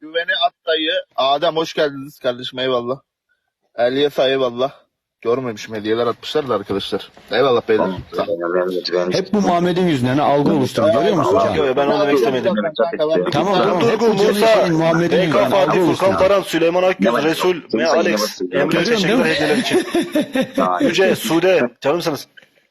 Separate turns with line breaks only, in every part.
Güveni at dayı. Adem hoş geldiniz kardeşim, eyvallah. Elyesa eyvallah. Görmemişim, hediyeler atmışlar da arkadaşlar. Eyvallah beyler. Sağ olun.
Hep bu Muhammed'in yüzünden algı oluşturdu. Görüyor musun
Allah
Can?
Allah.
Yok, ben onu demek istemedim.
Tamam. Hep
Durgun,
bu Cemil
Musa,
Şeyh'in, Muhammed'in
BK
yüzünden algı
Fatih, Furkan
oluşturdu.
Paran, Süleyman Akgül, Resul ve Alex. Emre
Görüyorum,
teşekkürler
değil mi?
hediyeler için. Yüce, Sude, canımsınız.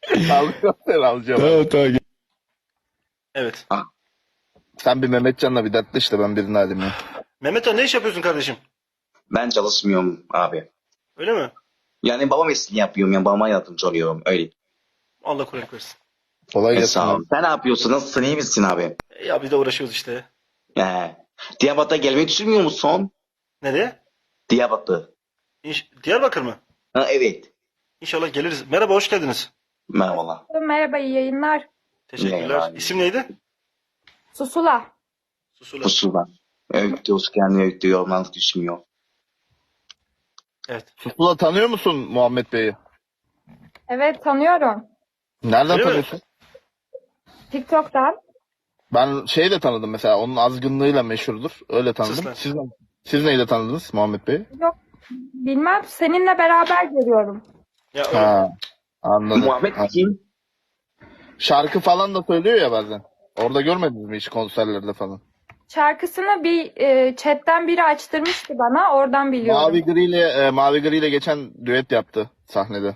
Alacağım.
Tamam.
Evet.
Sen bir Mehmetcan'la bir dertli işte, ben birini alayım ya.
Mehmetcan, ne iş yapıyorsun kardeşim?
Ben çalışmıyorum abi.
Öyle mi?
Yani babam mesleğini yapıyorum. Yani babama yardımcı oluyorum. Öyle.
Allah kolaylık versin.
Kolay gelsin.
Sağ ol.
abi.
Sen ne yapıyorsun? Nasılsın? İyi misin abi?
Ya biz de uğraşıyoruz işte.
Diyarbakır'a gelmeyi düşünmüyor musun?
Nereye?
Diyarbakır.
Diyarbakır mı?
Ha, evet.
İnşallah geliriz. Merhaba, hoş geldiniz.
Merhabalar.
Merhaba, iyi yayınlar.
Teşekkürler.
Merhaba.
İsim neydi?
Susula.
Susula.
Kusura. Öğütüyoruz kendini öğütüyor. Yorumlandık düşmüyor.
Evet.
Susula tanıyor musun Muhammed Bey'i?
Evet, tanıyorum.
Nereden
Öyle mi?
tanıyorsun?
TikTok'tan.
Ben şeyi de tanıdım mesela, onun azgınlığıyla meşhurdur. Öyle tanıdım.
Sus lan.
Siz neyle tanıdınız Muhammed Bey'i?
Yok, bilmem. Seninle beraber görüyorum.
Ya öyle.
Ha, anladım.
Muhammed kim?
Şarkı falan da söylüyor ya bazen. Orada görmediniz mi hiç konserlerde falan?
Şarkısını bir chatten biri açtırmıştı bana. Oradan biliyorum.
Mavi Gri ile geçen düet yaptı sahnede.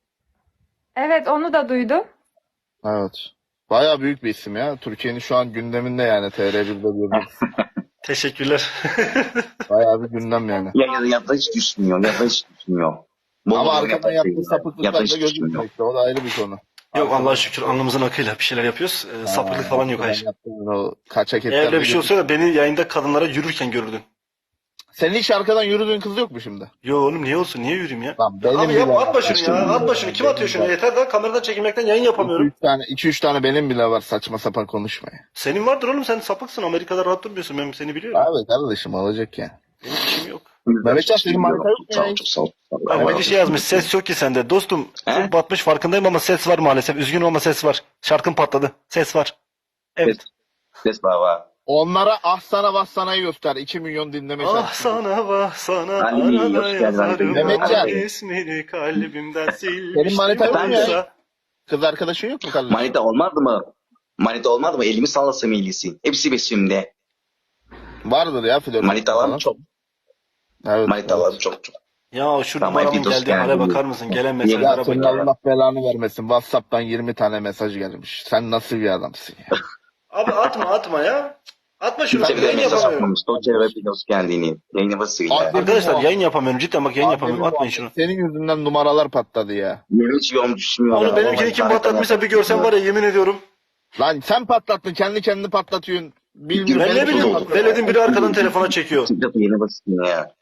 Evet, onu da duydum.
Evet. Bayağı büyük bir isim ya. Türkiye'nin şu an gündeminde yani, TR1'de görüyoruz.
Teşekkürler.
Bayağı bir gündem yani.
Ya da hiç düşmüyor. Ya da hiç düşmüyor.
Ama arkadan yaptığı sapıklıklar
Ya da
da
hiç
gözükmüyor
düşmüyor.
işte. O da ayrı bir konu.
Yok, Allah'a şükür alnımızın akıyla bir şeyler yapıyoruz. Sapıklık falan yok, hayır.
Yaptığın o kaçak etler.
Eğer öyle bir şey olsa da beni yayında kadınlara yürürken görürdün.
Senin hiç arkadan yürüdüğün kız yok mu şimdi?
Yo oğlum, niye olsun? Niye yürüyeyim ya?
Lan benim
Abi ya,
bile
atma
var.
şunu ya. Atma şunu. Kim atıyor şunu? Yeter daha, kameradan çekilmekten yayın yapamıyorum.
2-3 tane benim bile var, saçma sapan konuşma ya.
Senin vardır oğlum, sen sapıksın. Amerika'da rahat durmuyorsun. Ben seni biliyorum.
Abi kardeşim, olacak ya.
Benim işim yok.
Mehmetcan, senin marka yok mu ya?
Sağ ol, çok sağ ol.
Bak, bir şey yazmış. Ses yok ki sende. Dostum çok batmış farkındayım ama ses var maalesef. Üzgünüm ama ses var. Şarkın patladı. Ses var. Evet.
Ses baba.
Onlara ah sana vah sana'yı göster. 2 milyon dinleme
Ah
şarkısı.
sana vah sana
Ali,
arada
hoş geldin
yazarım.
Ali.
Mehmetcan.
İsmini kalbimden
Senin manita yok mu ya?
oysa.
Kız arkadaşın yok mu kardeşim?
Manita olmadı mı? Manita olmadı mı? Elimi sallasam iyilisi. Hepsi besimde.
Vardır ya flört.
Manitalarım çok.
Evet.
Manitalarım çok çok.
Ya şu
Tamam,
numaramın
bir dost
geldiği hale
geldi.
bakar mısın? Gelen
Ya
mesajlara
senin
bak ya.
Allah belanı vermesin. WhatsApp'tan 20 tane mesaj gelmiş. Sen nasıl bir adamsın ya?
Abi atma ya. Atma şunu.
Sen
Ben
de
yayın
Mesaj
yapamıyorum.
atmamış. Doçe ve Pilos kendini. Yayını basıyor.
Abi-
Arkadaşlar yayın yapamıyorum. Cidden bak, yayın yapamıyorum. Atmayın şunu.
Senin yüzünden numaralar patladı ya.
Yemin hiç yorum düşmüyor.
Onu benimkini kim patlatmışsa bir görsen var ya, yemin ediyorum.
Lan sen patlattın. Kendi kendini patlatıyorsun. Bilmiyorum.
Ben ne bileyim,
patlattın.
veledin biri arkadan telefona çekiyor.
Yeni basıyor ya.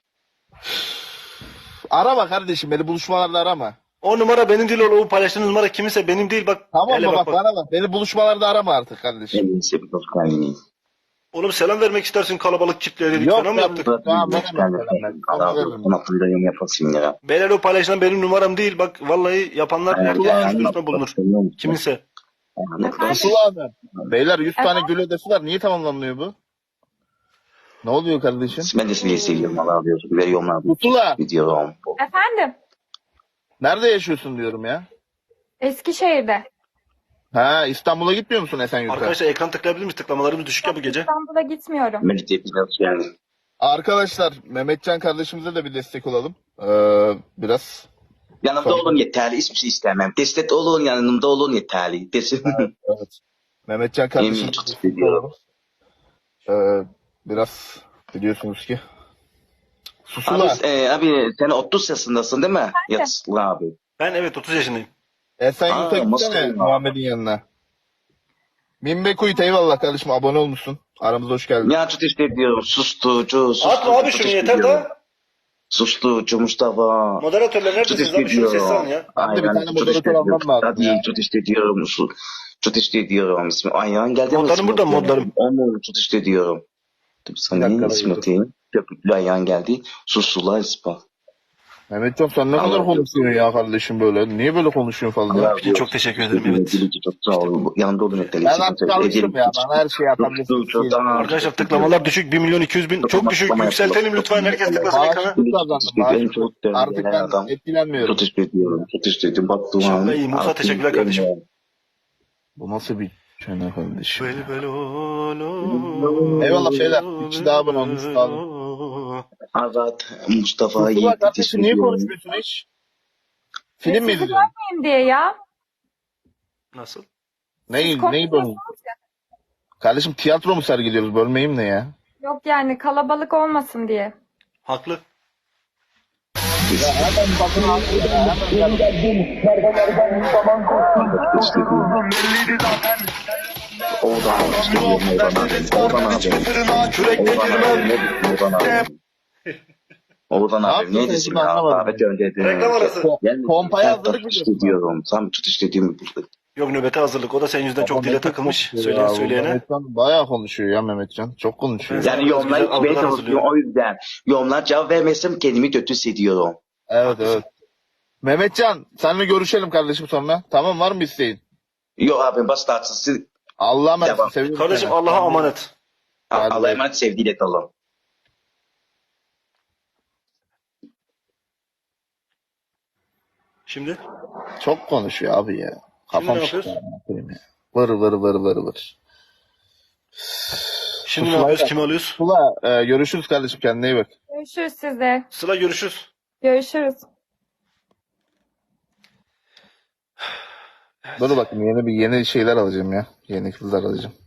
Arama kardeşim, beni buluşmalarda arama.
O numara benim değil, o paylaştığınız numara kiminse benim değil, bak.
Tamam
hele
mı, bak bana bak. Beni buluşmalarda arama artık kardeşim.
Yemin ise Pilos kendini.
Oğlum selam vermek istersin kalabalık kitleye dedik,
Yok
sana mı
ya.
yaptık?
Tamam,
Pilos
veremem.
kendini. Ona fırla yorum yapasın ya.
Beyler, o paylaşılan benim numaram değil, bak vallahi yapanlar herkes üstüne bulunur. Kiminse.
Pusula abi. Beyler 100 tane gül ödesi var. Niye tamamlanmıyor bu? Ne oluyor kardeşim?
Ben de seni seviyorum. Allah razı olsun. Veriyorum abi.
Pusula.
Gidiyorum.
Efendim,
Nerede yaşıyorsun diyorum ya.
Eskişehir'de.
Ha, İstanbul'a gitmiyor musun Esenyurt'a?
Arkadaşlar ekran tıklayabilir miyiz? Tıklamalarımız düşük ya bu gece.
İstanbul'a gitmiyorum.
Melike Pilos yani.
Arkadaşlar Mehmetcan kardeşimize de bir destek olalım. Biraz.
Yanımda olun yeterli. Hiçbir şey istemem. Destek olun, yanımda olun yeterli. Desin.
Evet. Mehmetcan kardeşimize
Yemin çok
destek
seviyorum.
olalım. Biraz biliyorsunuz ki. Susula.
Abi sen 30 yaşındasın değil mi? Yatsın abi.
Ben evet 30 yaşındayım.
Esenyurt'a gitsene
Mustafa'yım.
Muhammed'in yanına. Minbe Kuyut eyvallah kardeşim, abone olmuşsun. Aramıza hoş geldin.
Ya çok teşekkür ediyorum. Susturucu.
Atma abi şunu, yeter daha.
Susturucu Mustafa.
Moderatörler
Çok
neredesiniz
teşekkür
abi, şunu sessiz alın
ediyorum.
ya.
Ben de bir tane
çok
moderatör
teşekkür
almam
ediyorum.
lazım
Hadi
ya.
çok teşekkür ediyorum. Çok teşekkür ediyorum. İsmi Ayhan geldi mi?
Modlarım burada, modlarım.
Onu çok teşekkür ediyorum. Tabii
Bir
sana
dakika,
ismi
dur.
atayım. Köpüklü Ayhan geldi. Sussular ispa.
Mehmetcan sen ne kadar konuşuyorsun ya kardeşim böyle? Niye böyle konuşuyorsun falan ya?
için çok teşekkür ederim. Evet.
Çok sağ ol. Yanında olun yeterli.
Ben artık alıştım ya. Bana her şeyi atabilirsin.
Arkadaşlar tıklamalar düşük. 1.200.000. Çok düşük. Yükseltelim lütfen. Herkes tıklasın ekrana.
Bağışıklık kazandım. Bağışıklık. Artık ben etkilenmiyorum.
Çok teşekkür ediyorum. Çok teşekkür ediyorum. Baktım
İnşallah iyi. Musa teşekkürler kardeşim.
Bu nasıl bir çene kardeşim?
Bel
Eyvallah şeyler. İki daha abone olmuş. Sağ olun.
Azat, Mustafa,
Mustafa
Yiğit.
kardeşim niye konuşmuyorsun hiç? Film mi
Sizi
izliyorsun?
görmeyeyim diye ya.
Nasıl?
Neyi bölüm? Kardeşim tiyatro mu sergiliyoruz? Bölmeyeyim ne ya?
Yok yani kalabalık olmasın diye.
Haklı.
Ya hemen bakın abi ya. Hemen
Oğuzhan
Ne
abi
yapıyorsun
ne desin
şimdi
ya?
anlamadım.
Davet gönderdi.
Reklam arası.
Pompaya hazırlık mı
Tut
diyorsun?
istiyorum. Tam tut istediğimi bulduk.
Yok nöbete hazırlık. O da senin yüzünden çok dile
Mehmetcan
takılmış.
konuşuyor
Söyleyen
ya.
söyleyene.
Mehmetcan bayağı konuşuyor ya Mehmetcan. Çok konuşuyor.
Ben-
Yani yorumlar
Güzel
içmeye
algılar
çalışıyorum.
hazırlıyorum.
O yüzden yorumlar cevap vermezsem kendimi kötü hissediyorum.
Evet evet. Mehmetcan seninle görüşelim kardeşim sonra. Tamam var mı isteğin?
Yok abi bas tatsız.
Allah'a emanet.
Devam.
Seviyorum
Kardeşim
seni.
Allah'a emanet.
Hadi
Allah'a
bay.
emanet sevgiyle kalın.
Şimdi?
Çok konuşuyor abi ya.
Şimdi
Kafam
ne
şişti.
yapıyoruz?
Ya. Vır vır vır vır vır.
Şimdi ne
Sıla-
yapıyoruz? Kimi alıyoruz?
Sıla görüşürüz kardeşim kendine iyi bak.
Görüşürüz sizde.
Sıla görüşürüz.
Görüşürüz.
Dur bakayım yeni şeyler alacağım ya. Yeni kızlar alacağım.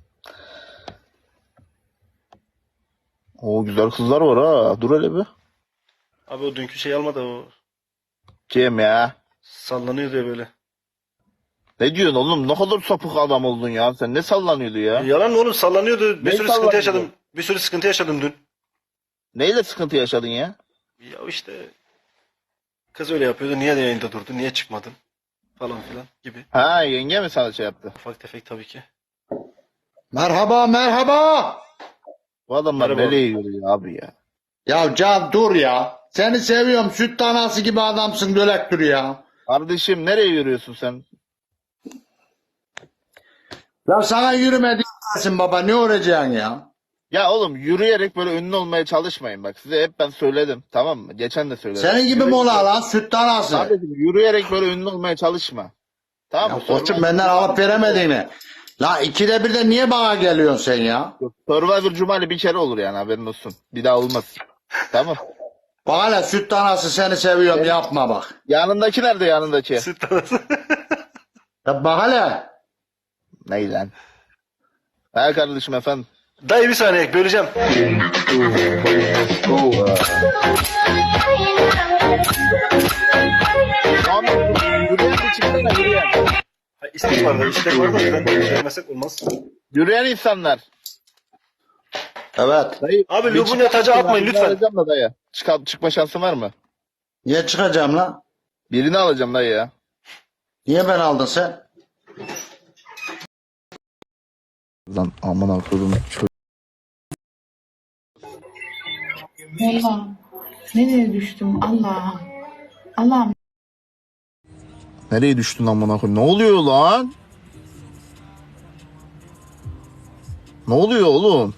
Oo güzel kızlar var ha. Dur hele bir.
Abi o dünkü şey almadı o.
Kim ya?
Sallanıyor diye böyle.
Ne diyorsun oğlum? Ne kadar sapık adam oldun ya. Sen ne sallanıyordu ya?
Yalan mı oğlum? Sallanıyordu. Bir
Ne
sürü sıkıntı
sallanıyordu?
yaşadım. Bir sürü sıkıntı yaşadım dün.
Neyle sıkıntı yaşadın ya?
Ya işte kız öyle yapıyordu. Niye de yayında durdu? Niye çıkmadın? Falan filan gibi.
Ha yenge mi sana şey yaptı?
Ufak tefek tabii ki.
Merhaba merhaba.
Bu adamlar
Merhaba.
nereye yürüyor abi ya?
Ya Can dur ya. Seni seviyorum. Süt tanası gibi adamsın dölek dur ya.
Kardeşim nereye yürüyorsun sen?
Ya sana yürüme diyorsun baba ne olacaksın ya?
Ya oğlum yürüyerek böyle ünlü olmaya çalışmayın bak. Size hep ben söyledim tamam mı? Geçen de söyledim.
Senin gibi mi ola lan süt tanası?
Kardeşim yürüyerek böyle ünlü olmaya çalışma. Tamam mı?
Ya koçum benden alıp veremediğini. La ikide bir de niye bana geliyorsun sen ya?
Survivor Cumali bir kere olur yani haberin olsun. Bir daha olmaz. Tamam.
Bak hele süt tanası seni seviyorum yapma bak.
Yanındaki nerede yanındaki?
Süt tanesi.
Ya bak hele.
Ney lan? Ha kardeşim efendim.
Dayı bir saniye böleceğim.
Abi yürüyen bir çıksana yürüyen.
Ha, istek var da istek var da ben söylemesek olmaz.
Yürüyen insanlar.
Evet.
Dayı,
Abi
bir
Lubun'u taca
çıkar-
atmayın
birini
lütfen.
Alacağım da dayı. Çıkma şansın var mı?
Niye çıkacağım lan?
Birini alacağım dayı ya.
Niye ben aldın sen?
Lan aman akıllım.
Allah'ım nereye düştüm Allah'ım. Allah'ım
Nereye düştün amına koyayım? Ne oluyor lan? Ne oluyor oğlum?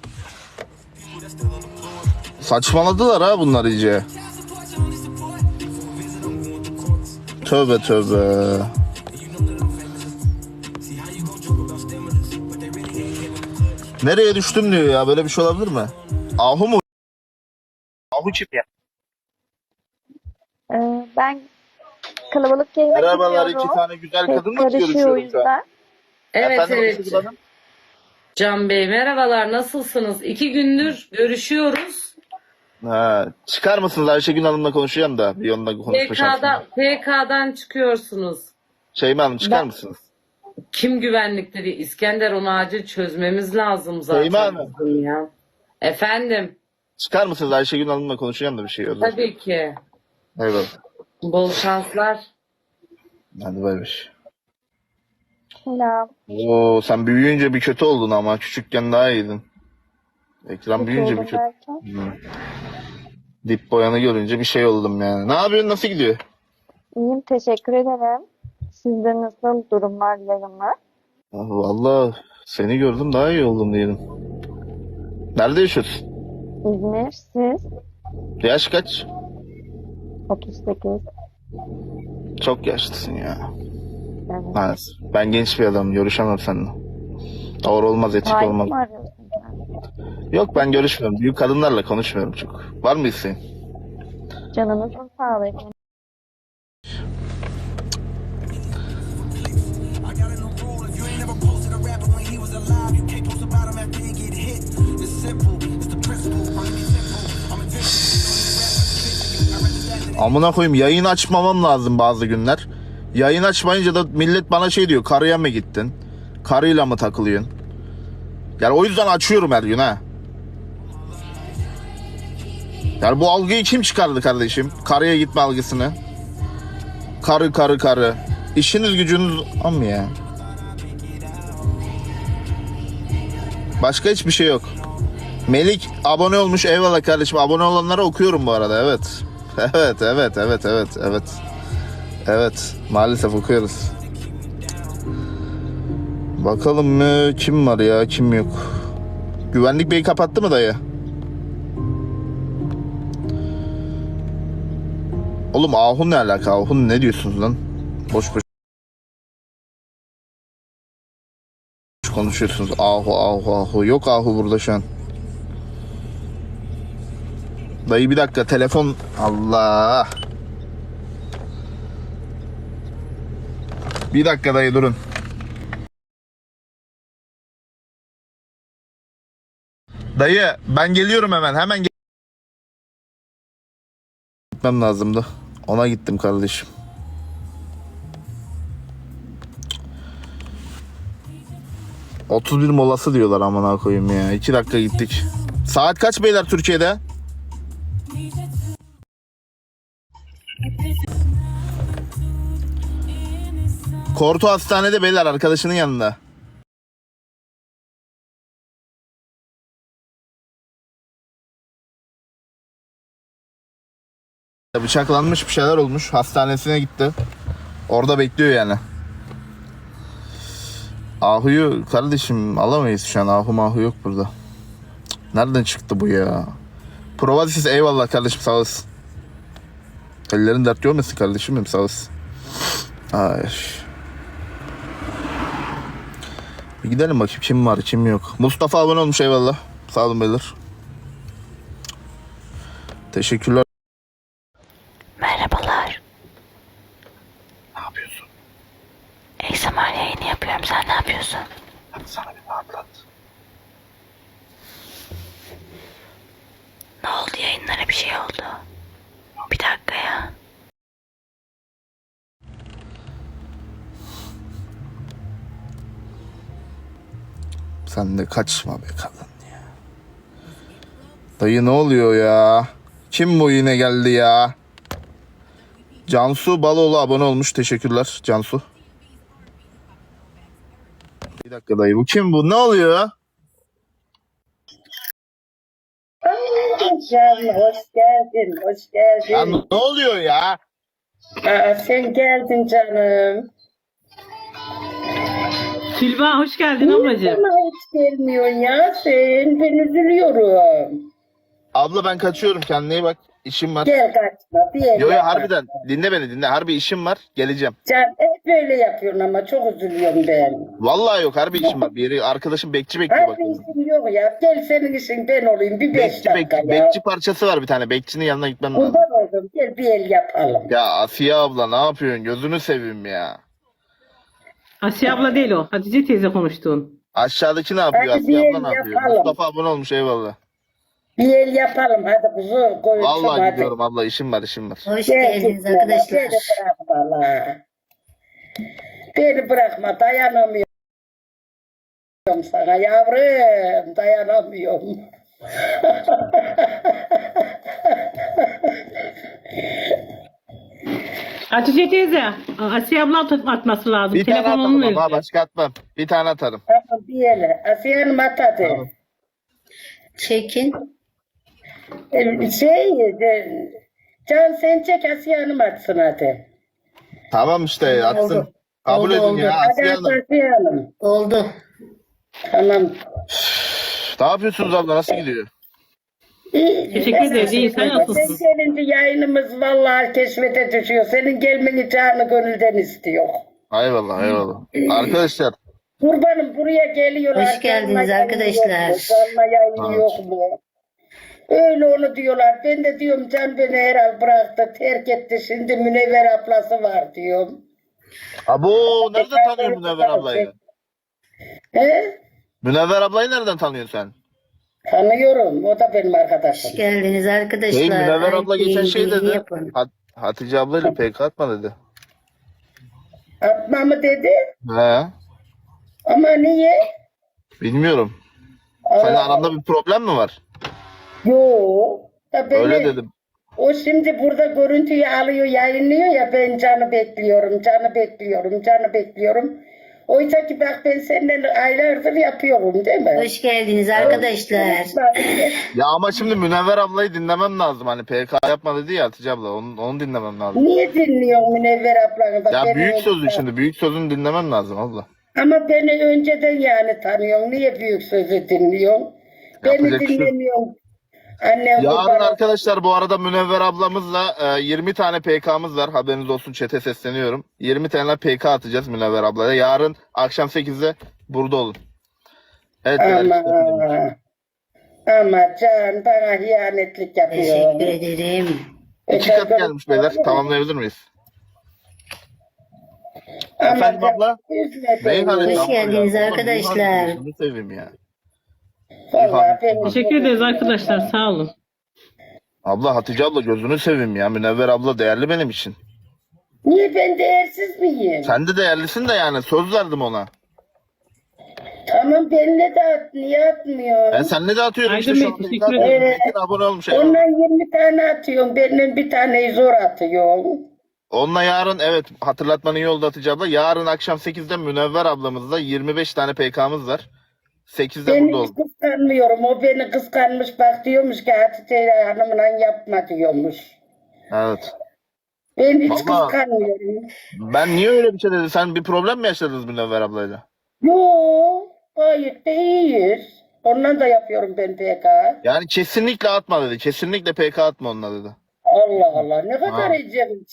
Saçmaladılar ha bunlar iyice. Tövbe tövbe. Nereye düştüm diyor ya. Böyle bir şey olabilir mi? Ahu mu? Ahu kim ya?
Ben kalabalık yayına
Merhabalar
gidiyorum.
iki tane güzel
Ses
kadınla
karışıyor o
görüşüyorum şu an.
yüzden.
Evet
Efendim,
evet.
Işıl Hanım?
Can Bey merhabalar nasılsınız? 2 gündür görüşüyoruz.
Ha, çıkar mısınız Ayşegül Hanım'la konuşacağım da bir onunla konuşma şansım var.
PK'dan çıkıyorsunuz.
Şeyma Hanım çıkar
Ben-
mısınız?
Kim güvenlikleri? İskender onu acil çözmemiz lazım zaten.
Şeyma Hanım.
bizim ya. Efendim
Çıkar mısınız Ayşegül Hanım'la konuşacağım da bir şey olur.
tabii ki.
Eyvallah.
Bol şanslar.
Hadi bay bay.
Selam.
Oo sen büyüyünce bir kötü oldun ama küçükken daha iyiydin. Ekran
Kötü
büyüyünce
oldum
bir kötü.
derken.
Hı. Dip boyanı görünce bir şey oldum yani. Ne yapıyorsun? Nasıl gidiyor?
İyiyim, teşekkür ederim. Sizde nasıl durumlar, yayınlar?
Vallahi seni gördüm daha iyi oldum diyelim. Nerede yaşıyorsun?
İzmir, siz?
Yaş kaç?
38.
Çok yaşlısın ya.
Evet.
Maalesef. Ben genç bir adamım. Görüşemem seninle. Doğru olmaz, etik
Sahip
olmaz.
mi arıyorsun kendini?
Yok ben görüşmüyorum. Büyük kadınlarla konuşmuyorum çok. Var mı isteğin?
Canınızın sağlığı efendim.
Amına koyayım yayın açmamam lazım bazı günler. Yayın açmayınca da millet bana şey diyor. Karıya mı gittin? Karıyla mı takılıyorsun? Yani o yüzden açıyorum her gün ha. Yani bu algıyı kim çıkardı kardeşim? Karıya gitme algısını. Karı. İşiniz gücünüz am ya. Başka hiçbir şey yok. Melik abone olmuş. Eyvallah kardeşim. Abone olanlara okuyorum bu arada. Evet. Evet. Maalesef okuyoruz. Bakalım mı? Kim var ya? Kim yok? Güvenlik beyi kapattı mı dayı? Oğlum Ahun ne alaka? Ahun ne diyorsunuz lan? Boş konuşuyorsunuz. Ahu. Yok Ahu burada şu an. Dayı bir dakika telefon. Allah. Bir dakika dayı durun. Dayı ben geliyorum hemen gitmem lazımdı. Ona gittim kardeşim. ...31 molası diyorlar amına koyayım ya. 2 dakika gittik. Saat kaç beyler Türkiye'de? Korto hastanede beyler arkadaşının yanında. Bıçaklanmış bir şeyler olmuş. Hastanesine gitti. Orada bekliyor yani. Ahu'yu kardeşim alamayız şu an. Ahu yok burada. Cık, nereden çıktı bu ya? Provazisiz eyvallah kardeşim sağ olasın. Ellerin dert görmesin kardeşim benim sağ olasın. Ay. Bir gidelim bakayım kim var kim yok. Mustafa abone olmuş eyvallah. Sağ olun beyler. Teşekkürler.
Merhabalar.
Ne yapıyorsun?
ASMR yayını yapıyorum. Sen ne yapıyorsun?
Hadi sana bir rahatlat.
Ne oldu, yayınlara bir şey oldu? Bir dakika ya.
Sen de kaçma be kadın ya. Dayı ne oluyor ya? Kim bu yine geldi ya? Cansu Baloğlu abone olmuş. Teşekkürler Cansu. Bir dakika dayı bu kim bu? Ne oluyor?
Canım hoş geldin, hoş
Ya
geldin.
ne oluyor ya?
Sen geldin canım.
Tülba hoş geldin
Niye
ablacığım.
bana hiç gelmiyorsun ya sen? Ben üzülüyorum.
Abla ben kaçıyorum kendine iyi bak. İşim var.
Gel kaçma, bir el
Yo
yapma.
harbiden dinle beni dinle. Harbi işim var. Geleceğim.
Can hep böyle yapıyorsun ama çok üzülüyorum ben.
Vallahi yok harbi işim var. Bir yeri arkadaşım bekçi bekliyor bak.
Harbi işin yok ya. Gel senin işin ben olayım bir 5 dakika ya.
Bekçi parçası var bir tane. Bekçinin yanına gitmem lazım.
Kurban oldum. Gel bir el yapalım.
Ya Asiye abla ne yapıyorsun? Gözünü seveyim ya.
Asiye abla değil o. Hatice teyze konuştuğun.
Aşağıdaki ne yapıyor?
Hadi
Asiye
bir
abla
el
ne yapıyor?
yapalım.
Mustafa abone olmuş eyvallah.
Bir el yapalım hadi kuzu. Koyun
Vallahi
hadi.
gidiyorum abla işim var.
Hoş
Gel
geldiniz
gitme,
arkadaşlar.
Beni bırakma la. Beni bırakma dayanamıyorum sana yavrum dayanamıyorum.
Hatice teyze. Asiye abla atması lazım.
Bir tane
Telefonunu
atarım
verin.
ama başka atmam. Bir tane atarım.
Tamam bir ele. Asiye Hanım atadı.
Tamam.
Çekin.
Can sen çek Asiye Hanım atsın hadi.
Tamam işte atsın. Kabul edin ya
Hadi
Asiye
at
Hanım.
Asiye Hanım.
Oldu.
Tamam.
Ne yapıyorsunuz abla, nasıl gidiyor?
Teşekkür ederiz. İyi, sen nasılsın?
Sen gelince yayınımız vallahi keşfete düşüyor. Senin gelmeni canı gönülden istiyor.
Eyvallah eyvallah. Arkadaşlar
Kurbanım buraya geliyorlar.
Hoş geldiniz
Canlı yayın
arkadaşlar.
yok mu? Canlı yayın
Evet.
yok mu? Öyle onu diyorlar. Ben de diyorum Can beni herhal bıraktı, terk etti. Şimdi Münevver ablası var diyorum.
abo nereden tanıyorsun Münevver ablayı?
He?
Münevver ablayı nereden tanıyorsun sen?
Tanıyorum. O da benim arkadaşım.
Hoş geldiniz arkadaşlar.
Münevver abla
Haydi
geçen şey
bilgi
dedi.
yapın.
Hatice ablayla PK atma dedi.
Atma mı dedi?
He,
Ama niye?
bilmiyorum. Senin
Allah
aranda bir problem mi var?
Yok. Ya beni,
Öyle dedim.
o şimdi burada görüntüyü alıyor, yayınlıyor ya ben Can'ı bekliyorum, Can'ı bekliyorum, Can'ı bekliyorum. Oysa ki bak ben senden aylardır yapıyorum değil mi?
Hoş geldiniz arkadaşlar.
Ya ama şimdi Münevver ablayı dinlemem lazım. Hani PK yapma dedi ya Hatice abla. Onu dinlemem lazım.
Niye dinliyorsun Münevver ablanı? Bak
Ya
beni
büyük
önce-
sözü şimdi. Büyük sözünü dinlemem lazım abla.
Ama beni önceden yani tanıyorsun. Niye büyük sözü dinliyorsun? Beni
Yapacak bir şey yok.
dinlemiyorsun. Annem
Yarın
kurban-
arkadaşlar bu arada Münevver ablamızla 20 tane PK'mız var. Haberiniz olsun, chat'e sesleniyorum. 20 tane PK atacağız Münevver ablaya. Yarın akşam 8'de burada olun. Evet.
Ama,
beyler,
ama Can bana hiyanetlik yapıyor.
Teşekkür ederim.
2 katı gelmiş beyler. Tamamlayabilir miyiz?
Ama
Efendim
Can,
abla?
üzme beni.
Beyhan'ı
Hoş geldiniz
abla,
arkadaşlar.
Bunu seveyim ya.
Vallahi beni-
Teşekkür ederiz arkadaşlar. Sağ olun.
Abla Hatice abla gözünü seveyim ya. Münevver abla değerli benim için.
Niye ben değersiz miyim?
Sen de değerlisin de yani söz verdim ona.
Tamam benimle de at. Niye atmıyor?
Ben seninle de atıyorum
Aydın
işte
Bey,
şu anda.
teşekkür
Zaten
ederim.
herkes abone olmuş.
Ondan 20 tane atıyorum. Benden bir taneyi zor atıyorum.
Onunla yarın evet hatırlatmanı iyi oldu Hatice abla. Yarın akşam 8'de Münevver ablamızla 25 tane PK'mız var. 8'de
Ben
burada
hiç
olun.
kıskanmıyorum. O beni kıskanmış bak diyormuş ki Hatice Hanım'la yapma diyormuş.
Evet.
Ben hiç
Vallahi-
kıskanmıyorum.
Ben niye öyle bir şey dedi? Sen bir problem mi yaşadınız Münevver ablayla?
Yok. Gayet de iyiyiz. Ondan da yapıyorum ben PK.
Yani kesinlikle atma dedi. Kesinlikle PK atma onunla dedi.
Allah Allah ne kadar
Ha.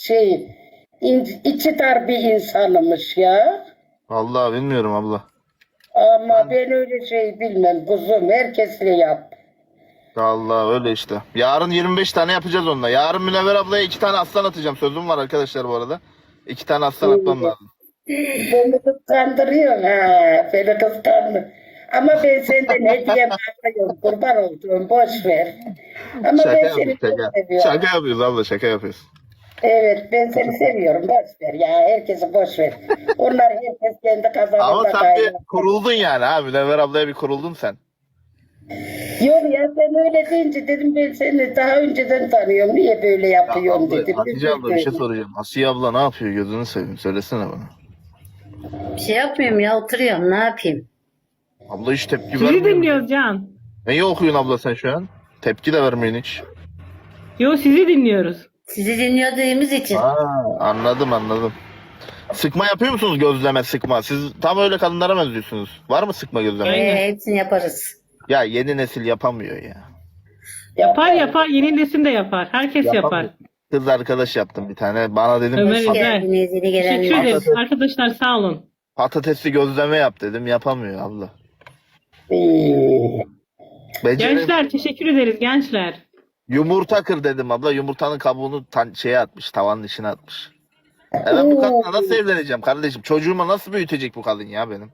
içi dar bir insanımış ya.
Vallahi bilmiyorum abla.
Ama ben öyle şey bilmem kuzum. Herkesle yap.
Allah öyle işte. Yarın 25 tane yapacağız onunla. Yarın Münevver ablaya 2 tane aslan atacağım. Sözüm var arkadaşlar bu arada. 2 tane aslan atmam lazım.
Beni kıskandırıyorsun ha. Beni kıskandırıyor. Ama ben senden hediye bakıyorum. Kurban olduğum. Boş ver. Ama
Şaka
ben seni
yapıyoruz
çok
şaka.
seviyorum.
Şaka yapıyoruz abla şaka yapıyoruz.
Evet ben seni seviyorum. Boş ver ya. Herkesi boş ver. Onlar herkes kendi
Ama
kazanında
sen bir
kaynar.
kuruldun yani ha. Münevver ablaya bir kuruldun sen.
Yok ya sen öyle deyince dedim ben seni daha önceden tanıyorum. Niye böyle yapıyorum
Abla,
dedim.
Hatice abla bir şey soracağım. Asiye abla ne yapıyor? Gözünü seveyim. Söylesene bana.
Bir şey yapmıyorum ya, oturuyorum, ne yapayım?
Abla hiç tepki
Sizi
vermiyor.
dinliyoruz Can.
Neyi okuyorsun abla sen şu an? Tepki de vermiyorsun hiç.
Yo, sizi dinliyoruz.
Sizi dinlediğimiz için.
Anladım. Sıkma yapıyor musunuz, gözleme sıkma? Siz tam öyle kadınlara benziyorsunuz. Var mı sıkma gözleme?
Aynen.
Hepsini yaparız.
Ya yeni nesil yapamıyor ya.
Yapar. Yeni nesil de yapar. Herkes yapar.
Yapamıyor. Kız arkadaş yaptım bir tane. Bana dedim
Ömer
Hoş
Güzel.
geldiniz yeni
Teşekkür
gelenler.
ederiz. Arkadaşlar sağ olun.
patatesli gözleme yap dedim. Yapamıyor abla.
Ee,
Gençler teşekkür ederiz gençler.
Yumurta kır dedim abla. Yumurtanın kabuğunu şeye atmış. Tavanın içine atmış. Ben bu kadınla nasıl evleneceğim kardeşim? Çocuğuma nasıl büyütecek bu kadın ya benim?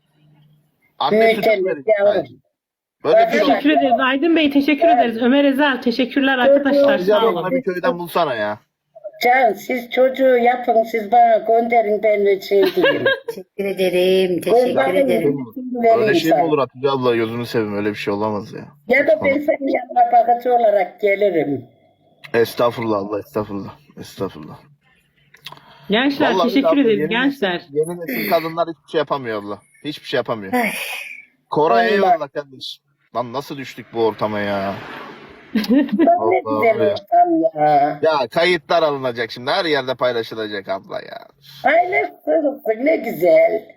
Anne sütü
Büyütelim
verecek.
yavrum.
Böyle bir şey yok.
Teşekkür ederiz. Aydın Bey teşekkür ederiz. Ömer Ezel teşekkürler arkadaşlar.
Rica
Sağ
ederim,
olun.
bana bir köyden bulsana ya.
Can siz çocuğu yapın siz bana gönderin ben de şey diyeyim.
Teşekkür ederim. Teşekkür ederim.
Öyle şey mi olur Hatice abla, gözünü seveyim, öyle bir şey olamaz ya.
Ya da ben senin yanına bakıcı olarak gelirim.
Estağfurullah abla, estağfurullah.
Gençler
Vallahi
teşekkür
abla,
ederiz
yeni
gençler.
nesil- Yeni nesil kadınlar hiçbir şey yapamıyor abla. Hiçbir şey yapamıyor.
Ay.
Koray
Allah.
eyvallah kardeşim. Lan nasıl düştük bu ortama ya?
Ne güzel
Allah'ım ya.
ortam ya.
Ya kayıtlar alınacak şimdi. Her yerde paylaşılacak abla ya.
Paylaşsın ne güzel.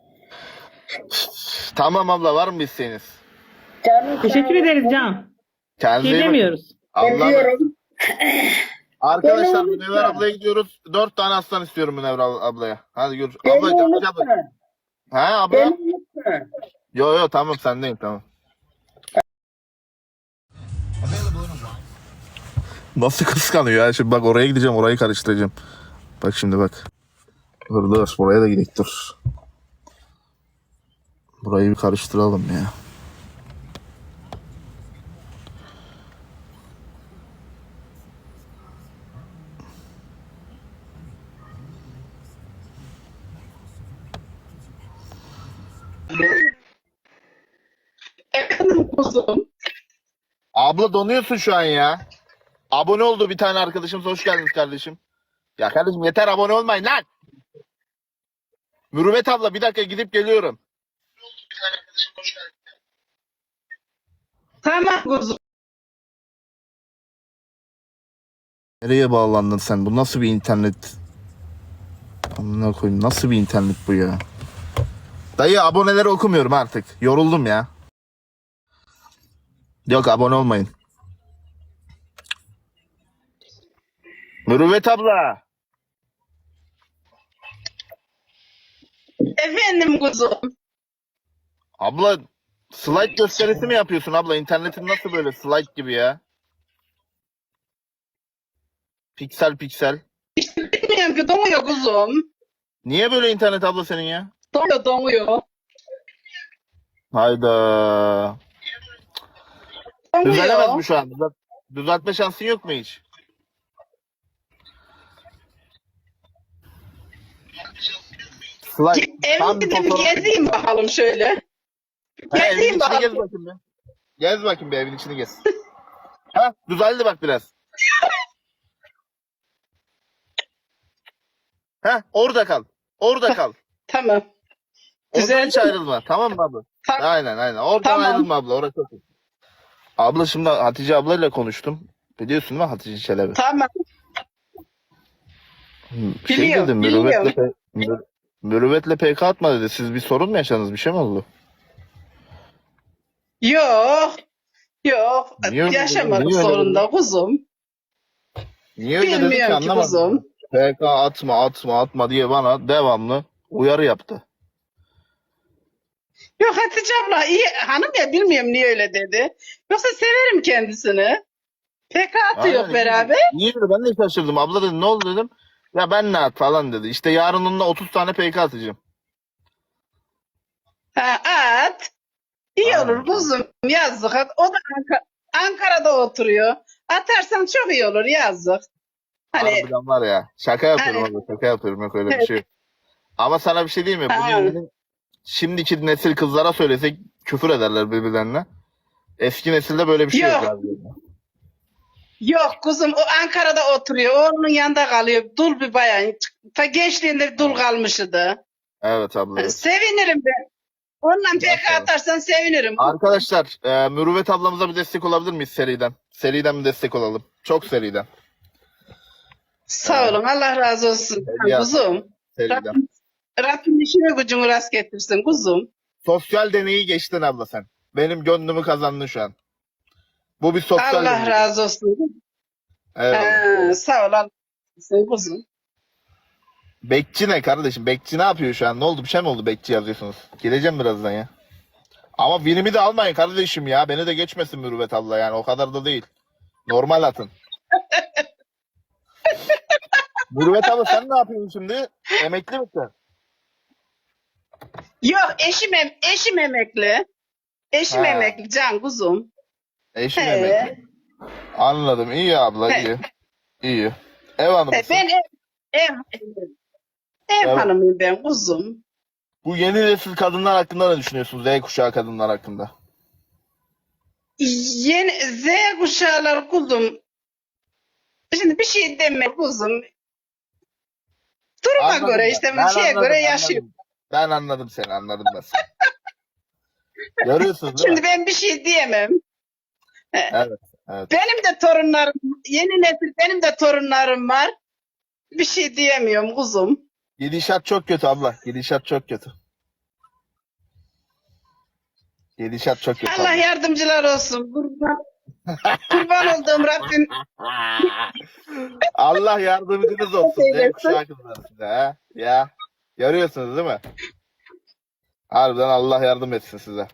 Tamam abla, var mı bir isteğiniz?
Canım
Teşekkür ederiz Can.
Kendinize
Şey
iyi bakın.
demiyoruz.
Allah'a
Seviyorum.
Arkadaşlar
Beni
Münevver
unutma.
ablaya gidiyoruz. 4 tane aslan istiyorum Münevver ablaya. Hadi gör.
Beni
Abla yapacağım.
unutma.
Ha abla?
Beni unutma.
Yo tamam, sendeyim tamam. Nasıl kıskanıyor ya? Şimdi bak, oraya gideceğim, orayı karıştıracağım. Bak şimdi bak. Dur buraya da gidelim, dur. Burayı bir karıştıralım ya. Abla donuyorsun şu an ya. Abone oldu bir tane arkadaşımız. Hoş geldiniz kardeşim. Ya kardeşim yeter, abone olmayın lan. Mürüvvet abla bir dakika, gidip geliyorum.
Tamam kuzum.
Nereye bağlandın sen? Bu nasıl bir internet? Amına koyayım, nasıl bir internet bu ya? Dayı, aboneleri okumuyorum artık. Yoruldum ya. Yok, abone olmayın. Mürüvvet abla.
Efendim kuzum.
Abla slide gösterisi mi yapıyorsun abla? İnternetin nasıl böyle slide gibi ya? Piksel piksel.
Bilmiyorum ki donuyor kuzum.
Niye böyle internet abla senin ya?
Donuyor.
Hayda. Düzelemez mi şu an? Düzeltme şansın yok mu hiç? Slide. Tam bir
Evin
fotoğraf-
gezeyim bakalım şöyle.
Ha, evin
Gezeyim
içini gez
bakalım.
bakayım bir. Gez bakayım bir, evin içini gez. Ha, düzeldi bak biraz. Ha, orada kal. Orada kal.
Tamam.
Oradan
Düzeldi
hiç
mi?
ayrılma. Tamam mı abla?
Tamam.
Aynen. Oradan
Tamam.
ayrılma abla. Orası çok iyi. Abla şimdi Hatice ablayla konuştum. Biliyorsun değil mi Hatice Çelebi?
Tamam.
Şey
Biliyorum,
dedim,
biliyorum.
Mürüvvetle PK atma dedi. Siz bir sorun mu yaşadınız? Bir şey mi oldu?
Yok.
Niye öyle
Yaşamadık
dedin? Niye öyle
sorunda kuzum.
Niye öyle dedi ki
Bilmiyorum ki
anlamadım.
kuzum.
PK atma diye bana devamlı uyarı yaptı.
Yok Hatice abla iyi hanım ya bilmiyorum niye öyle dedi. Yoksa severim kendisini. PK atıyor
Aynen,
beraber.
Niye dedi? Ben de şaşırdım. Abla dedi, ne oldu dedim. Ya ben ne at falan dedi. İşte yarın onunla 30 tane PK atacağım.
Ha, at. İyi
Aynen.
olur kuzum yazdık. O da Ankara'da oturuyor. Atarsan çok iyi olur yazdık. Hani
Harbiden var ya. Şaka yapıyorum
Hani-
abla. Şaka yapıyorum. Yok öyle bir şey yok. Ama sana bir şey diyeyim mi?
Ha.
Bugün şimdiki nesil kızlara söylesek küfür ederler birbirlerine. Eski nesilde böyle bir şey yok.
Yok.
abi.
yok kuzum o Ankara'da oturuyor. Onun yanında kalıyor. Dul bir bayan. Ta gençliğinde dul kalmışydı.
Evet abla. Evet.
Sevinirim ben. Onunla PK
Maşallah.
atarsan sevinirim.
Arkadaşlar, Mürüvvet ablamıza bir destek olabilir miyiz seriden? Seriden bir destek olalım. Çok seriden.
Sağ olun. Allah razı olsun.
Ya.
Kuzum.
Seriden.
Rabbim işini gücünü rast getirsin kuzum.
Sosyal deneyi geçtin abla sen. Benim gönlümü kazandın şu an. Bu bir sosyal
Allah
deney.
razı olsun.
Evet.
Sağ ol. Allah razı olsun kuzum.
Bekçi ne kardeşim? Bekçi ne yapıyor şu an? Ne oldu? Bir şey mi oldu? Bekçi yazıyorsunuz. Geleceğim birazdan ya. Ama binimi de almayın kardeşim ya. Beni de geçmesin Mürüvvet abla yani. O kadar da değil. Normal atın. Mürüvvet abla sen ne yapıyorsun şimdi? Emekli misin?
Yok eşim emekli. Eşim
Ha.
emekli can kuzum.
Eşim
He.
emekli. Anladım. İyi abla.
He.
iyi. İyi. Ev hanımısın.
Ben ev
Evet.
hanımıyım ben kuzum.
Bu yeni nesil kadınlar hakkında ne düşünüyorsunuz? Z kuşağı kadınlar hakkında.
Yeni Z kuşağılar kuzum. Şimdi bir şey deme kuzum. Duruma
Anladım
göre
ben.
işte
Ben
şeye
anladım,
göre
anladım.
yaşıyor.
Ben anladım seni. Anladım ben seni. Görüyorsunuz değil
Şimdi
mi?
ben bir şey diyemem.
Evet. Evet.
Benim de torunlarım, yeni nesil benim de torunlarım var. Bir şey diyemiyorum kuzum.
Gidişat çok kötü abla. Gidişat çok kötü. Gidişat çok kötü
Allah
abla.
yardımcılar olsun. Kurban olduğum Rabbim.
Allah yardımcınız olsun. Z kuşağı kızları size ha. Ya. Görüyorsunuz değil mi? Harbiden Allah yardım etsin size.